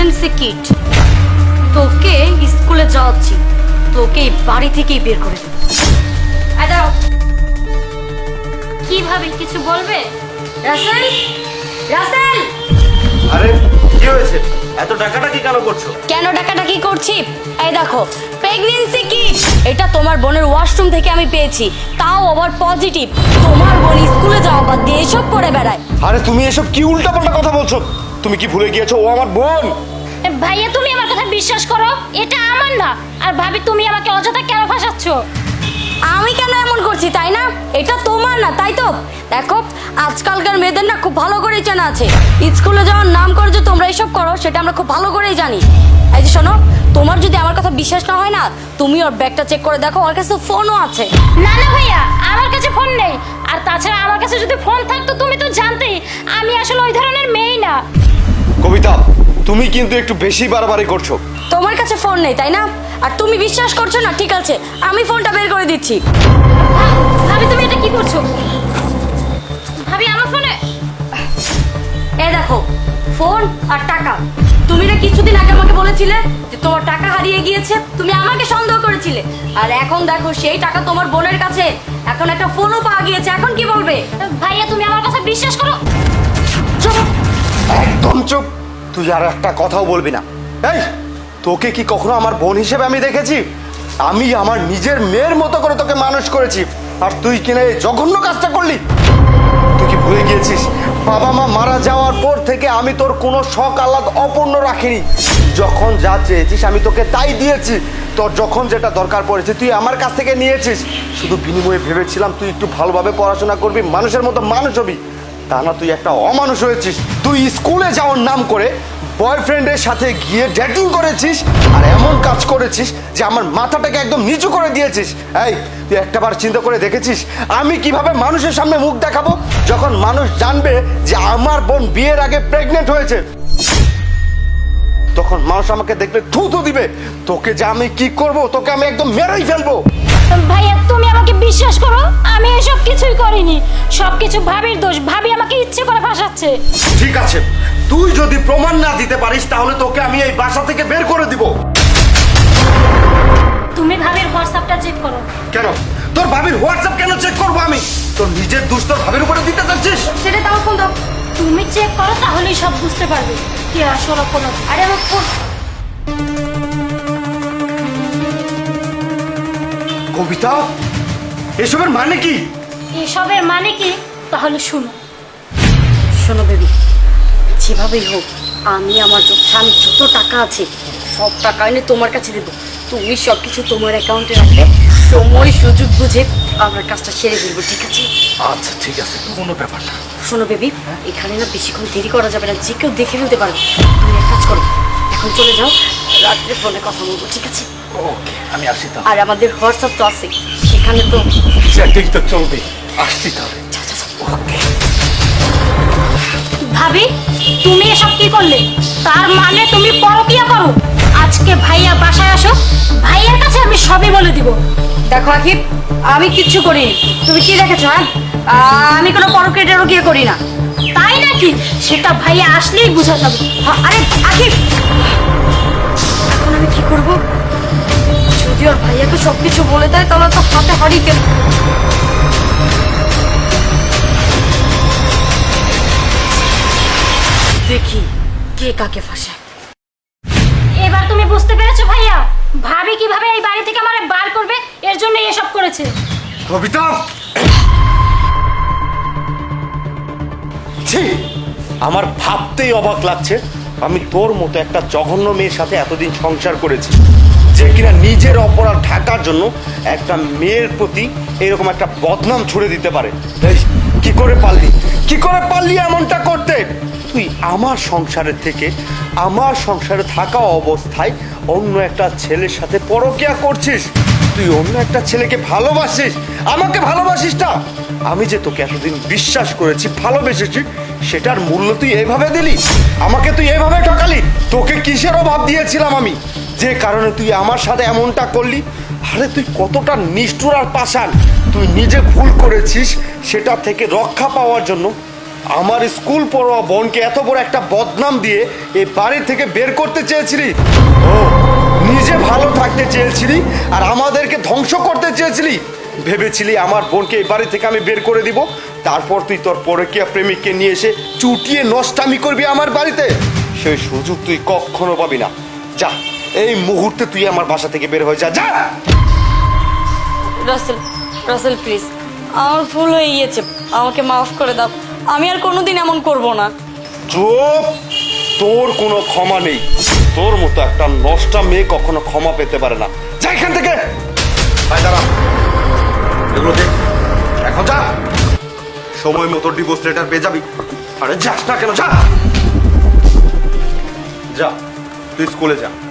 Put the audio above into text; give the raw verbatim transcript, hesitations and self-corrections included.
Pregnancy kit. তোকে স্কুলে যাওয়াচ্ছি, তোকে এই বাড়ি থেকেই বের করে দেব। কিভাবে কিছু বলবে? রাসেল, রাসেল! আরে কি হয়েছে? এত ডাকাডাকি কেন করছো? কেন ডাকাডাকি করছি? এই দেখো, প্রেগন্যান্সি কিট। এটা তোমার বোনের ওয়াশরুম থেকে আমি পেয়েছি, তাও আবার পজিটিভ। তোমার বোন স্কুলে যাওয়া বাদ দিয়ে এসব করে বেড়ায়। আরে তুমি এসব কি উল্টাপাল্টা কথা বলছো? তুমি কি ভুলে গিয়েছো ও আমার বোন? ভাইয়া তুমি আমার কথা বিশ্বাস করো, এটা আমার না। আর ভাবি তুমি আমাকে অযথা কেন ফাঁসাচ্ছ? আমি কেন এমন করছি তাই না? এটা তোমার না, তাই তো? দেখো, আজকালকার মেয়েদের না খুব ভালো করেই জানা আছে স্কুলে যাওয়ার নাম করে যে তোমরা এসব করো, সেটা আমরা খুব ভালো করেই জানি। এই যে শোনো, তোমার যদি আমার কথা বিশ্বাস না হয় না, তুমি ওর ব্যাগটা চেক করে দেখো, ওর কাছে ফোনও আছে। না না ভাইয়া, আমার কাছে ফোন নেই। আর তাছাড়া আমার কাছে যদি ফোন থাকতো তুমি তো জানতেই আমি আসলে ওই ধরনের মেয়েই না। কবিতা, তুমি কিন্তু একটু বেশি বাড়াবাড়ি করছো। তোমার কাছে ফোন নেই তাই না? আর তুমি বিশ্বাস করছো না? ঠিক আছে, আমি ফোনটা বের করে দিচ্ছি। ভাবি তুমি এটা কি করছো? ভাবি আমার ফোনে এ দেখো, ফোন আর টাকা। তুমি না কিছুদিন আগে আমাকে বলেছিলে যে তোমার টাকা হারিয়ে গিয়েছে, তুমি আমাকে সন্দেহ করেছিলে। আর এখন দেখো, সেই টাকা তোমার বোনের কাছে, এখন একটা ফোনও পাওয়া গিয়েছে। এখন কি বলবে? ভাইয়া তুমি আমার কথা বিশ্বাস করো। চুপ, একদম চুপ। তুই আর একটা কথাও বলবি না। এই, তোকে কি কখনো আমার বোন হিসেবে আমি দেখেছি? আমি আমার নিজের মেয়ের মতো করে তোকে মানুষ করেছি, আর তুই কিনা এই জঘন্য কাজটা করলি। তুই কি ভুলে গিয়েছিস বাবা মা মারা যাওয়ার পর থেকে আমি তোর কোনো শখ আহ্লাদ অপূর্ণ রাখিনি। যখন যা চেয়েছিস আমি তোকে তাই দিয়েছি। তোর যখন যেটা দরকার পড়েছে তুই আমার কাছ থেকে নিয়েছিস। শুধু বিনিময়ে ভেবেছিলাম তুই একটু ভালোভাবে পড়াশোনা করবি, মানুষের মতো মানুষ হবি। তা না, তুই একটা অমানুষ হয়েছিস। তুই স্কুলে যাওয়ার নাম করে বয়ফ্রেন্ডের সাথে গিয়ে ডেটিং করেছিস, আর এমন কাজ করেছিস যে আমার মাথাটাকে একদম নিচু করে দিয়েছিস। এই, তুই একটাবার চিন্তা করে দেখেছিস আমি কিভাবে মানুষের সামনে মুখ দেখাবো যখন মানুষ জানবে যে আমার বোন বিয়ের আগে প্রেগনেন্ট হয়েছে? তখন মানুষ আমাকে দেখলে থু থু দিবে। তোকে যে আমি কি করব, তোকে আমি একদম মেরেই ফেলবো। ভাইয়া তুমি আমাকে বিশ্বাস করো, আমি এসব কিছুই করিনি। সবকিছু ভাবির দোষ। ভাবি আমাকে ইচ্ছে করে ফাঁসাচ্ছে। ঠিক আছে, তুই যদি প্রমাণ না দিতে পারিস তাহলে তোকে আমি এই বাসা থেকে বের করে দিব। তুমি ভাবির হোয়াটসঅ্যাপটা চেক করো। কেন? তোর ভাবির হোয়াটসঅ্যাপ কেন চেক করবো আমি? তোর নিজের দোষ তোর ভাবির উপরে দিতে চাচ্ছিস? সেটা তাও ফোন দাও। তুমি চেক করো, তাহলেই সব বুঝতে পারবে কি আসল কোনো। আরে আমার ফোন। কবিতা, এসবের মানে কি? এসবের মানে কি তাহলে শুনো। শোনো বেবি, যেভাবেই হোক আমি আমার যত স্বামীর যত টাকা আছে সব টাকা এনে তোমার কাছে দেবো। তুমি সব কিছু তোমার অ্যাকাউন্টে রাখবে, সময় সুযোগ বুঝে আমরা কাজটা সেরে ফেলবো, ঠিক আছে? আচ্ছা ঠিক আছে, কোনো ব্যাপার না। শোনো বেবি, এখানে না বেশিক্ষণ দেরি করা যাবে না, যে কেউ দেখে ফেলতে পারবে। তুমি এক কাজ করো, এখন চলে যাও, রাত্রে ফোনে কথা বলবো, ঠিক আছে? ওকে, আমি আসি তো। আর আমাদের হোয়াটসঅ্যাপ তো আছে, সেখানে তো চ্যাটিং তো চলবে। আসছি তাহলে। ওকে। ভাবি তুমি এসব কি করলে? তার মানে তুমি পরকিয়া করো? আজকে ভাইয়া বাসায় আসো, ভাইয়ার কাছে আমি সবই বলে দিব। দেখো আকিব, আমি কিচ্ছু করিনি। তুমি কি দেখেছো? হ্যাঁ, আমি কোনো পরকেটেরও গিয়ে করি না। তাই নাকি? সেটা ভাইয়া আসলেই বুঝা যাবে। হ্যাঁ, আরে আকিব, এখন আমি কি করব? যদি ওর ভাইয়াকে সব কিছু বলে দেয় তাহলে তো হাতে হারিয়ে গেল। দেখি কে কাকে ফাঁসায়। এবার তুমি বুঝতে পেরেছো ভাইয়া ভাবি কিভাবে এই বাড়ি থেকে আমারে বার করবে, এর জন্য এসব করেছে। কবিতা, ছি, আমার ভাবতেই অবাক লাগছে আমি তোর মতো একটা জঘন্য মেয়ের সাথে এতদিন সংসার করেছি, যে কিনা নিজের অপরাধ ঢাকার জন্য একটা মেয়ের প্রতি এরকম একটা বদনাম ছুড়ে দিতে পারে। এই, কি করে পারলি কি করে পারলি এমনটা করতে? তুই আমার সংসারের থেকে আমার সংসারে থাকা অবস্থায় অন্য একটা ছেলের সাথে পরকিয়া করছিস। তুই অন্য একটা ছেলেকে ভালোবাসিস, আমাকে ভালোবাসিস না। আমি যে তোকে এতদিন বিশ্বাস করেছি, ভালোবেসেছি, সেটার মূল্য তুই এইভাবে দিলি? আমাকে তুই এইভাবে ঠকালি? তোকে কিসের অভাব দিয়েছিলাম আমি যে কারণে তুই আমার সাথে এমনটা করলি? আরে তুই কতটা নিষ্ঠুর আর পাষাণ! তুই নিজে ভুল করেছিস, সেটা থেকে রক্ষা পাওয়ার জন্য আমার স্কুল পড়ুয়া বোনকে এত বড় একটা বদনাম দিয়ে এই বাড়ি থেকে বের করতে চেয়েছিলি? ও নিজে ভালো থাকতে চেয়েছিলি আর আমাদেরকে ধ্বংস করতে চেয়েছিলি? ভেবেছিলি আমার বোনকে এই বাড়ি থেকে আমি বের করে দিব, তারপর তুই তোর পরকীয়া প্রেমিককে নিয়ে এসে চুটিয়ে নষ্টামি করবি আমার বাড়িতে? সেই সুযোগ তুই কখনো পাবি না। যা, এই মুহূর্তে তুই আমার বাসা থেকে বের হয়ে যা, যা। রাসেল, রাসেল প্লিজ, আমার ভুল হয়ে গিয়েছে, আমাকে মাফ করে দাও। আমি আর কোনোদিন এমন করব না। চুপ, তোর কোনো ক্ষমা নেই। তোর মতো একটা নষ্টা মেয়ে কখনো ক্ষমা পেতে পারে না। যা এখান থেকে। ভাই দাঁড়া, এগুলো দেখ, এখন যা, সময় মতো ডিভোর্স লেটার পেয়ে যাবি। আরে যাস না কেন, যা যা, তুই স্কুলে যা।